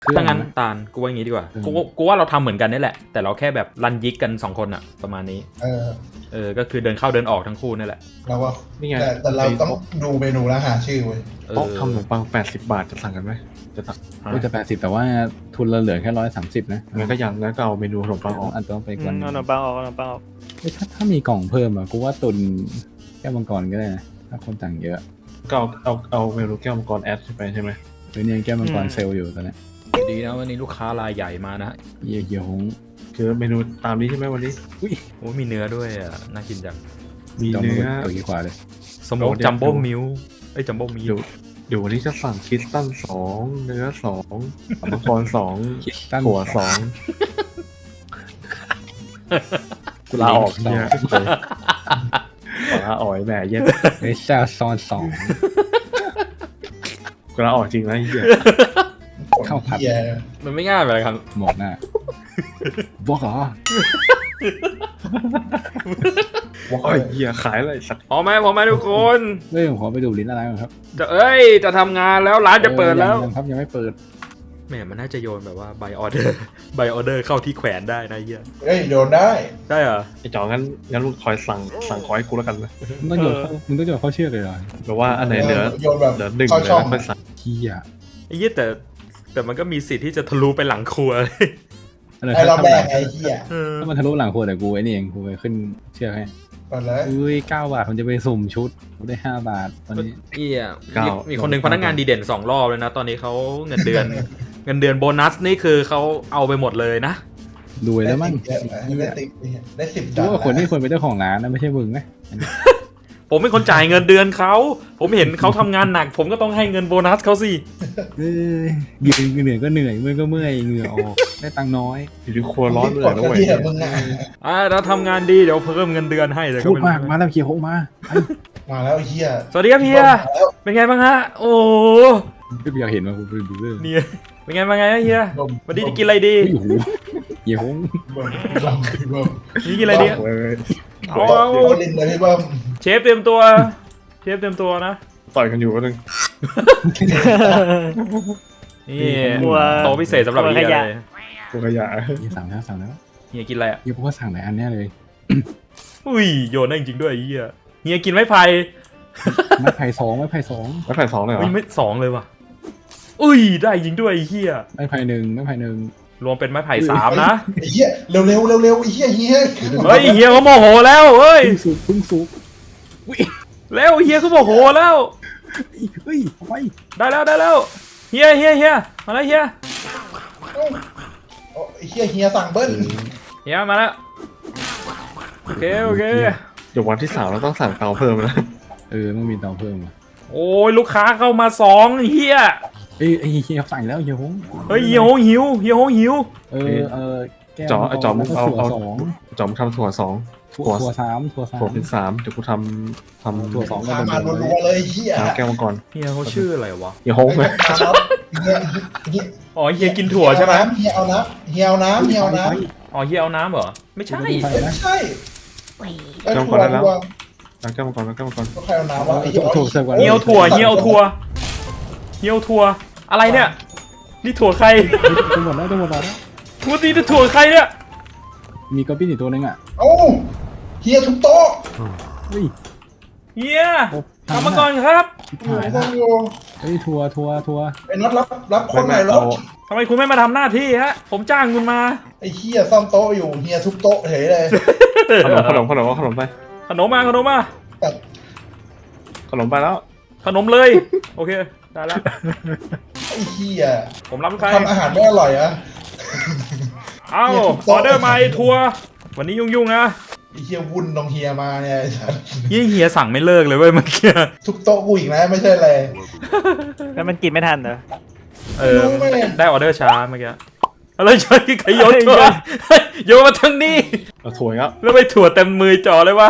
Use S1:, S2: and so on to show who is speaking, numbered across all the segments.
S1: ถ้างั้นตาลกูว่าอย่างงี้ดีกว่ากูว่าเราทำเหมือนกันนี่แหละแต่เราแค่แบบรันยิกกัน2คนอะประมาณนี้ก็คือเดินเข้าเดินออกทั้งคู่นี่แหละ
S2: เราว่า
S3: นี่ไง
S2: แต่เราต้องดูเมนูแล้วหาชื่อเว้ย
S3: โต๊ะทำขนมปัง80 บาทจะสั่งกันไหมจะสั่ง
S4: จะ80แต่ว่าทุนเราเหลือแค่130นะ
S3: งั้นก็ยังงั้นก็เอาเมนูขนมปังออก
S4: อันต้องไปก่อน
S5: เอาขนมปังออกเอาขนมปังออก
S4: ถ้ามีกล่องเพิ่มอ่ะกูว่าตุนแก้วมังกรก็ได้นะถ้าคนต่างเยอะ
S3: ก็เอาเมนูแก้วมังกรแอดไปใช่ไหม
S4: เดี๋ยวนี้แก้วมังกรเซลล์อยู่ตอนนี้
S1: ดีนะวันนี้ลูกค้ารายใหญ่มานะ
S4: เยี่ยหง
S3: คือเมนูตามนี้ใช่ไหมวันนี้
S1: โอ้มีเนื้อด้วยอะน่ากินจัง
S3: มีเนื้อ
S4: ตัวกี่กว่าเลย
S1: สโมกจัมโบ้มิลจัมโบ้มิล
S3: เดี๋ยววันนี้จะสั่งคิสตัน2เนื้อ2มังกร2ถั่ว2กูลาออกเนี่ยขอลาออกแหมเย็น
S4: เฮ้ยเจ้าซอน2
S3: กูลาออกจริงนะเหี้ย
S4: ข้าวผัด
S2: เหี้ย
S1: มันไม่ง่ายไปเลยครับ
S4: หมกหน้าบอกเหรอ
S3: ว้ายเหี้ยขายอะไรสัก
S1: พอไหมทุกคน
S4: เฮ้ยผมขอไปดูลิ้นอะไรก่อนครับ
S1: จะทำงานแล้วร้านจะเปิดแล้ว
S4: ยังครับยังไม่เปิด
S1: แหมมันน่าจะโยนแบบว่าใบออเดอร์ใบออเดอร์เข้าที่แขวนได้นะเฮีย
S2: เฮ้ยโดนได้
S1: ได้เหรอ
S3: ไอ้จองั้นมึงคอยสั่งขอให้กูแล้วกันนะ
S4: มึงต้องโยนเข้าเชือกเลยเหรอ
S3: หรือว่าอันไหนเหลือ
S2: โยนแบบ
S3: 1เลย
S2: เข้าช่อง
S3: แล้วค่อยสั่ง
S4: เฮีย
S1: ไอ้เหี้ยแต่มันก็มีสิทธิ์ที่จะทะลุไปหลังครัว
S2: ไอเราแบกไอ้เหี้ย
S4: ถ้ามันทะลุหลังครัวแต่กูไอ้นี่เองกูไปขึ้นเชือกให้
S2: ก่อนเลย
S4: อุ้ย9 บาทผมจะไปสุ่มชุดกูได้5 บาทตอนนี้
S1: เหี้ยมีคนหนึ่งพนักงานดีเด่น2 รอบเลยนะ ตอนนี้เขาเงินเดือน เงินเดือนโบนัสนี่คือเขาเอาไปหมดเลยนะ
S4: รวยแล้วมั้ง
S2: ได้10
S4: กูว่าคนที่ควรเป็นเจ้าของร้านนะไม่ใช่มึงนะ
S1: ผมเป็นคนจ่ายเงินเดือนเขาผมเห็นเขาทำงานหนัก ผมก็ต้องให้เงินโบนัสเขาสิ
S4: ยืนเหนื่อยก็เหนื่อยเมื่อยก็เมื่อยเหงื่อออกได้ตังค์น้อย
S3: อยู่ที่ครัวร้อนเลยนะเว้ย
S2: ที่มึงอ่ะ
S1: ถ้าทำงานดีเดี๋ยวเพิ่มเงินเดือนให้เลย
S4: โคกมากมาแล้วเคียวโคกมา
S2: มาแล้วไอ้เหี้ย
S1: สวัสดีครับเฮียเป็นไงบ้างฮะโอ้โห
S4: ก็อยากเห็นมากูไปดูเลย
S1: เนี่ยเป็นไงบ้างไงเฮียวันนี้จะกินอะไรดี
S4: โอ้โหเยี่ยหง
S1: นี่กินอะไรดี
S3: เว้ย
S1: เอา
S2: ลินเลยพี่เบิ้ม
S1: เชฟเตรียมตัวนะ
S3: ต่อยกันอยู่ก็นึง
S1: นี่โต๊ะพิเศษสำหรับเฮียเลย
S3: กูขยะ
S4: สั่งแล้ว
S1: เฮียกินอะไรอ่ะ
S4: เยี่ยพวกว่าสั่งหลายอันแน่เลย
S1: อุ้ยโยนได้จริงๆด้วยเฮียเฮียกินไม้ไผ่
S4: ไม้ไผ่สอง
S3: แล้วแผ่น2เลยเหรอ
S1: อุ้ยไม่2เลยว่ะอุ้ยได้จริงด้วยเฮีย
S4: ไม้ไผ่หนึ่ง
S1: รวมเป็นไม้ไผ่3นะ
S2: ไอ้เหี้ยเร็วไอ้เหี้ย
S1: เฮ้ยเฮียเขาโมโหแล้วเฮ้ย
S4: พึ่งสุก
S1: แล้วเฮียเขาโมโหแล้ว
S4: เฮ้ยไป
S1: ได้แล้วเฮียมาแล้วเฮีย
S2: ไอ้เหี้ยสั่งเบิ้ล
S1: เฮียมาแล้วโอเค
S3: เดี๋ยววันที่3เราต้องสั่งเตาเพิ่มนะ
S4: ต้องมีเตาเพิ่ม
S1: โอ้ยลูกค้าเข้ามา2เฮีย
S4: เฮียสั่งแล้วเฮียหง
S1: เฮ้ยเฮียโหหิว
S4: แก้ว
S3: จอมเอา
S4: สอง
S3: จอมทำถั่ว2
S4: ถั่วสาม
S3: ถั่วเป็น3เดี๋ยวกูทำ
S4: ถั่ว2ก็
S2: มารัวๆเลยเหี้ย
S3: น้ำแก้วมังกร
S1: เฮียเขาชื่ออะไรวะ
S3: อย่าโฮงเลย
S1: อ๋อเฮียกินถั่วใช่ไหม
S2: เฮียเอาน้ำ
S1: อ๋อเฮียเอาน้ำเหรอไม่ใช่
S2: ไม่ใช่
S3: แก้วมังกรได้แล้วน้ำแก้วมังกร
S2: ก็ใครเอาน้ำวะ
S4: ถั่วเสิร์ฟก่อน
S1: เฮียถั่วอะไรเนี่ยนี่ถั่วใคร
S4: จะหมดแล้ว
S1: พูดดีจะถั่วใครเนี่ย
S4: มีก๊อปปี้อีกตัวนึงอ่ะ
S2: เอ้าเฮียทุกโต๊ะ
S4: เฮ้ย
S1: เฮียกรรมกรครับ
S4: ถ่ายนะเฮ้ยทัวร์
S2: ไอ้น็อตรับคนไหนรถ
S1: ทำไมคุณไม่มาทำหน้าที่ฮะผมจ้างคุณมา
S2: ไอ้เฮียซ่อมโต๊ะอยู่เฮียทุบโต๊ะเฉยเลย
S3: ขนมไป
S1: ขนมมา
S3: ขนมไปแล้ว
S1: ขนมเลยโอเคได้แล้ว
S2: ไอ้เฮีย
S1: ผมรับใคร
S2: ทำอาหารไม่อร่อยอะ
S1: เอ้าออเดอร์มาทัวร์วันนี้ยุ่งนะ
S2: ไอ้เฮียวุ่นน้องเฮียมาเนี่ย
S1: เฮียสั่งไม่เลิกเลยเว้ยเมื่อกี้
S2: ทุบโต๊ะกูอีกนะไม่ใช่อะไร
S5: แล้วมันกินไม่ทันเหรอ
S1: ได้ออเดอร์ช้าเมื่อกี้อะไรใช่ใครโยนถั่วโยนมาทางนี้
S3: เอาถั่วแล้ว
S1: แล้วไปถั่วเต็มมือจ่อเลยวะ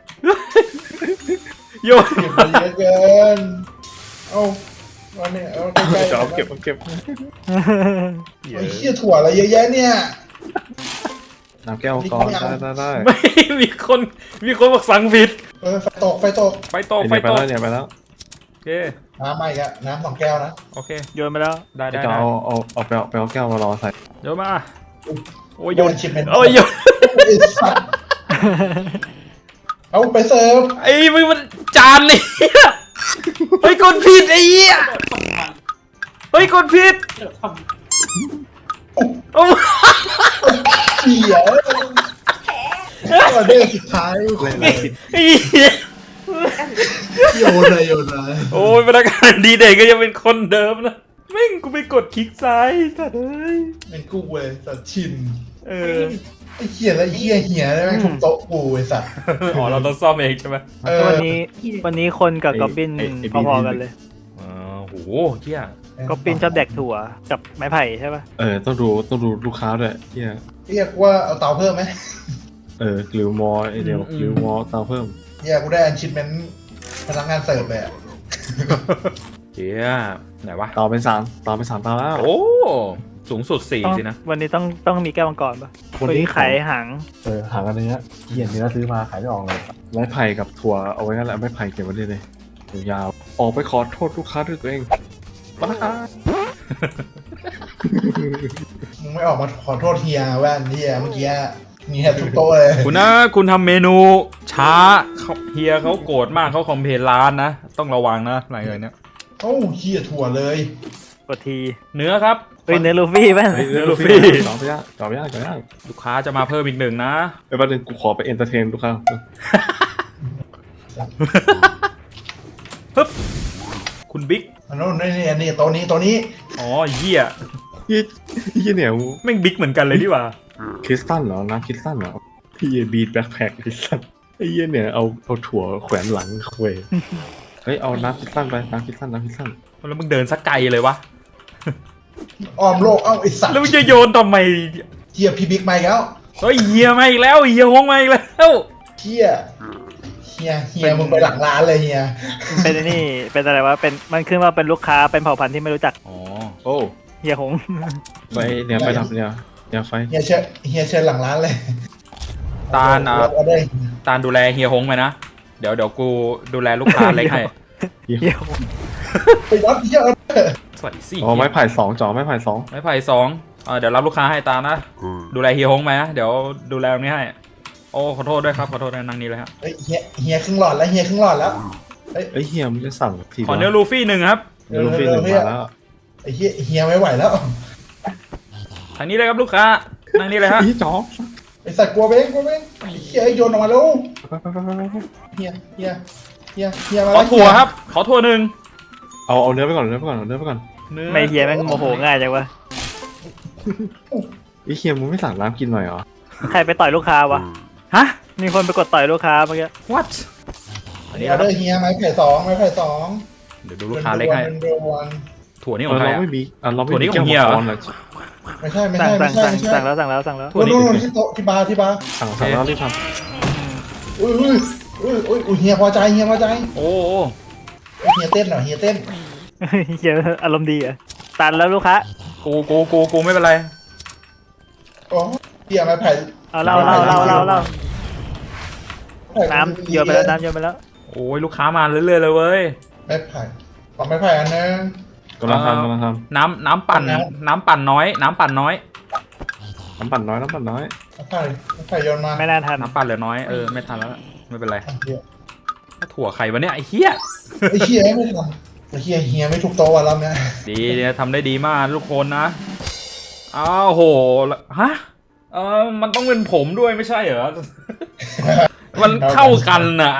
S1: โยน
S2: เก็บมาเยอะเกินเอาเนี่ยเอาใกล้ๆ
S3: จะเอาเก็บ
S2: ไอ้เฮียถั่วอะไรเยอะแยะเนี่ย
S3: น้ำแก้วมังกรได้
S1: ไม่มีคนบอกสั่งผิด
S2: ไฟตก
S1: ไปต่อ
S3: ไปแล้ว
S1: โอเค
S2: น้ำมาอีกอะน้ำ2 แก้วนะ
S1: โอเค
S5: โยนไปแล้ว
S1: ได้ได้
S3: จะ
S1: ได้
S3: เอาไปเอาแก้วมารอใส่
S1: โยนมาโอ้ย
S2: โย
S1: โย
S2: น
S1: น
S2: ชิปเป็น
S1: โอ้ยโยน
S2: ไอ้สัตว์เอาไปเสิร์ฟ
S1: ไอ้มึงมันจานนี่เฮ้ยกดผิดไอ้เหี้ยเฮ้ยกดผิดโอ้
S2: เสียออเดอร์สุดท้าย
S1: ไอ้เหี้ย
S2: โยนเลยโยนเลย
S1: โอ้ยพนักงานดีเด่นก็ยังเป็นคนเดิมนะแม่งกูไปกดคลิกซ้ายสัตว์เอ้ย
S2: เป็นกูเว้ยสัตว์ชิน
S1: เออ
S2: ไอ้เหี้ยแล้วไอ้เหี้ยเหี้ยได้ไหมทุบโต๊ะกูไอ้สัตว์
S1: อ๋อเราต้องซ่อมเองใช่ไหม
S5: วันนี้คนกับกอบบินพอๆกันเลย
S1: อ๋อโหเหี้ย
S5: กอบบินชอบแดกถั่วกับไม้ไผ่ใช่ป่ะ
S3: ต้องดูลูกค้าด้วยเฮีย
S2: เรียกว่าเอาเตาเพิ่มไหม
S3: กลิวมอไอเดียวกลิวมอเตาเพิ่ม
S2: เหี้ยกูได้อันชิปเมนต์พนักงานเสิร์ฟเลยอะ
S1: เหี้ยไหนวะ
S3: เตาเป็น3เตาแล้ว
S1: โอ้สูงสุด4สินะ
S5: วันนี้ต้องมีแก้วมังกรป่ะ
S3: วัน
S5: วัน
S3: นี้
S5: นี้ขายหาง
S3: หางกันเนื้อเฮียเนื้อซื้อมาขายไม่ออกเลยไม้ไผ่กับถั่วเอาไว้นั่นแหละไม้ไผ่เก็บไว้เลยยาวออกไปขอโทษลูกค้าด้วยตัวเองบ้า
S2: มึงไม่ออกมาขอโทษเฮียแว่นเฮียเมื่อกี้เฮียทุบโต๊ะเลย
S1: คุณนะคุณทำเมนูช้าเฮียเขาโกรธมากเขาคอมเพลนร้านนะ ต้องระวังนะอะไรอย่างเนี้ย
S2: โอ้เฮียถั่วเลย
S5: กดที
S1: เนื้อครับ
S5: เฮ้ยเนื้อลูฟี่ป่ะ
S1: เนื้อลูฟี่
S3: ต่อไปยาก
S1: ลูกค้าจะมาเพิ่มอีก1นะ
S3: ไปบ้านนึงกูขอไปเอนเตอร์เทนลูกค้า
S1: ฮึบคุณบิ๊ก
S2: อันนู้นนี่โต๊ะนี้
S1: อ๋อเหี้ย
S3: พี่เนี่ย
S1: แม่งบิ๊กเหมือนกันเลยดีกว่า
S3: คริสตัลเหรอน้ำคริสตัลเหรอพี่บีทแบ็คแพ็คคริสตัลไอ้เหี้ยเนี่ยเอาถั่วแขวนหลังคุยเฮ้ยเอาน้ำคริสตัลไปน้ำคริสตัล
S1: แล้วมึงเดินสักไกลเลยวะ
S2: อ้อมโลกเอ้าไอสัตว์
S1: แล้วมึงจะโยนทำไม
S2: เฮียพี่บิ๊กมาอีกแล้ว
S1: เฮ้ยเฮียมาอีกแล้วเฮียฮงมาอีกแล้ว
S2: เฮียมึงไปหลังร้านเลยเฮีย
S5: เป็นไอ้นี่เป็นอะไรวะเป็นมันขึ้นว่าเป็นลูกค้าเป็นเผ่าพันธุ์ที่ไม่รู้จัก
S1: อ๋อ
S3: โอ้
S5: เฮียหง
S3: ไฟเนี่ยไฟดับเนี่ยไฟ
S2: เฮียเชิญหลังร้านเลย
S1: ตาลอ่ะ
S2: รับออเดอร์
S1: ตาลดูแลเฮียฮงไปนะ เดี๋ยวกูดูแลลูกค้าเล็กให้
S5: เฮียหง
S2: ไปรับเฮียออเดอร์
S1: สวัสดีสิ
S3: อ๋อไม้ไผ่2จ่อไม้ไผ่2
S1: ไม้ไผ่2เดี๋ยวรับลูกค้าให้ตาลนะ ดูแลเฮียฮงไปนะ เดี๋ยวดูแลตรงนี้ให้ โอ้ขอโทษด้วยครับขอโทษนะนั่งนี้เลยฮะ
S2: เฮ้ยเฮียครึ่งหลอดแล้วเฮียครึ่งหลอดแล้ว
S3: เอ้ยเฮียมึงจะสั่งที
S1: ขอเนื้อลูฟี่1ครับ
S3: เนื้อลูฟี่1มาแล้ว
S2: ไอ้เฮียไม่ไหวแล้ว
S1: ทางนี้เลยครับลูกค้านั่งนี้เลยฮะ
S3: พี่จ๋อ
S2: ไอสัตว์กลัวเบ้งไอ้เฮียโยนออกมาแล้ว
S3: ไป
S2: เฮียมา
S1: ขอ
S2: แล้ว
S1: ถั่วครับ ขอถั่ว1
S3: เอาเนื้อไปก่อน
S1: เนื้อ
S5: ไม่เฮียแม่งโมโหง่ายจังวะ
S3: ไอ้เฮียมึงไม่สั่งน้ำกินหน่อยเหรอ
S5: ใครไปต่อยลูกค้าวะ
S1: ฮะ
S5: มีคนไปกดต่อยลูกค้าเมื่อกี้
S1: what
S2: อันนี้ออเดอร์เฮียไม้ไผ่2ไม้ไผ่2
S1: เดี๋ยวดูลูกค้าเล็กให้
S2: เป็นเดือนวัน
S1: ถั่วนี่ของใคร
S3: เรา
S1: อะ
S3: ไม่มีเราไม่
S1: ถั่วนี้
S3: มี
S1: ของเฮียเหรอ
S2: ไม่ใช่
S5: สั่งแล้ว
S1: ถั่วนี้
S2: นู่นที่โต๊ะที่บาร์
S3: สั่งแล้วรีบท
S2: อุ้ยเฮียพอใจ
S1: โอ้
S2: เฮียเต้นเหรอเฮียเต้น
S5: เฮียอารมณ์ดีอ่ะตันแล้วลูกค้า
S1: กูไม่เป็นไร
S2: อ๋อเฮียไม้ไผ่
S5: เอาเล่าน้ำโยนไปแล้ว
S1: โอ้ยลูกค้ามาเรื่อยๆเลยเว้ย
S2: ไม้ไผ่ของไม้ไผ่อันนึง
S3: ำกำลังทำ
S1: น้ำปั่นน้อยน้ำปั่นน้อย
S3: น้ำปั่นน้อย
S2: ไม้ไผ่โยนมา
S5: ไม่น่าทัน
S1: น้ำปั่นเหลือน้อยไม่ทันแล้วไม่เป็นไร
S2: เฮีย
S1: ถั่วไข่วะเนี่ยไอ้เหี้ย
S2: ไอ้เฮียไม่ทำไอ้เฮียไม่ทุกโต๊ะวันแล้วเนี่ย
S1: ดีเนี่ยทำได้ดีมากทุกคนนะอ้าวโหฮะมันต้องเป็นผมด้วยไม่ใช่เหรอ มันเข้ากันน่ะ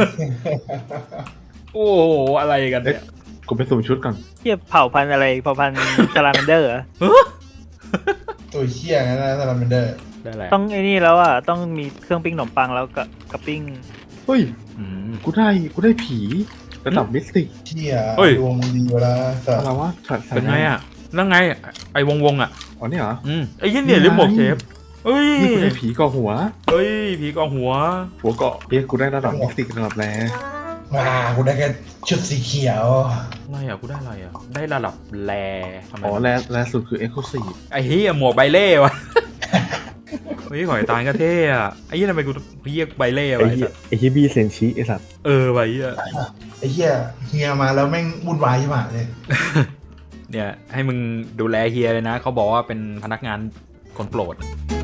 S1: โอ้โหอะไรกันเนี่ย
S3: กูไปสุ่มชุดก่อน
S5: เฮียเผ่าพันธุ์อะไรเผ่าพันธุ์ซาลาแมนเดอร์เหรอ
S2: ตัวเฮียงั้นนะซาลาเมนเดอร์
S1: ได้แหละ
S5: ต้องไอ้นี่แล้วอ่ะต้องมีเครื่องปิ้งขนมปังแล้วกับปิ้ง
S3: เฮ้ย
S1: อืม
S3: กูได้ผีระดับมิสติก
S2: เฮีย
S1: เฮ้ย
S2: ดวงดีเวลาสัต
S3: อะไร
S2: ว์
S3: วะ
S1: เป็นไงอ่ะแล้วไงไอ้วงอ่ะ
S3: อ๋อนี่เหรอ
S1: ไอ้ยี่เนี่ยหรือหมวกเชฟเอ้ย
S3: นี่กูได้ผีก่อหัว
S1: เฮ้ยผีกองหัว
S3: หัวเกาะกูได้ระดับมิสติกระดับแร
S2: มากูได้แค่ชุดสีเขียว
S1: อะไรอ่ะกูได้อะไรอ่ะได้ระดับแรทำไม
S3: อ๋อแรสุดคือเอ็กซ์คลูซีฟ
S1: ไอ้เฮียหมวกใบเล่วะ เฮ้ยหอยตาลก็เท่อะไอ้เฮียทำไมกูเรียกใบเล่วะไอ้สัส
S3: ไอ้ฮีบีเซนชิไอ้สัตว์
S1: ไว้เฮีย
S2: ไอ้เหี้ยเฮียมาแล้วแม่งวุ่นวายใช่ไหมเนี่ย
S1: เนี่ยให้มึงดูแลเฮียเลยนะเขาบอกว่าเป็นพนักงานคนโปรด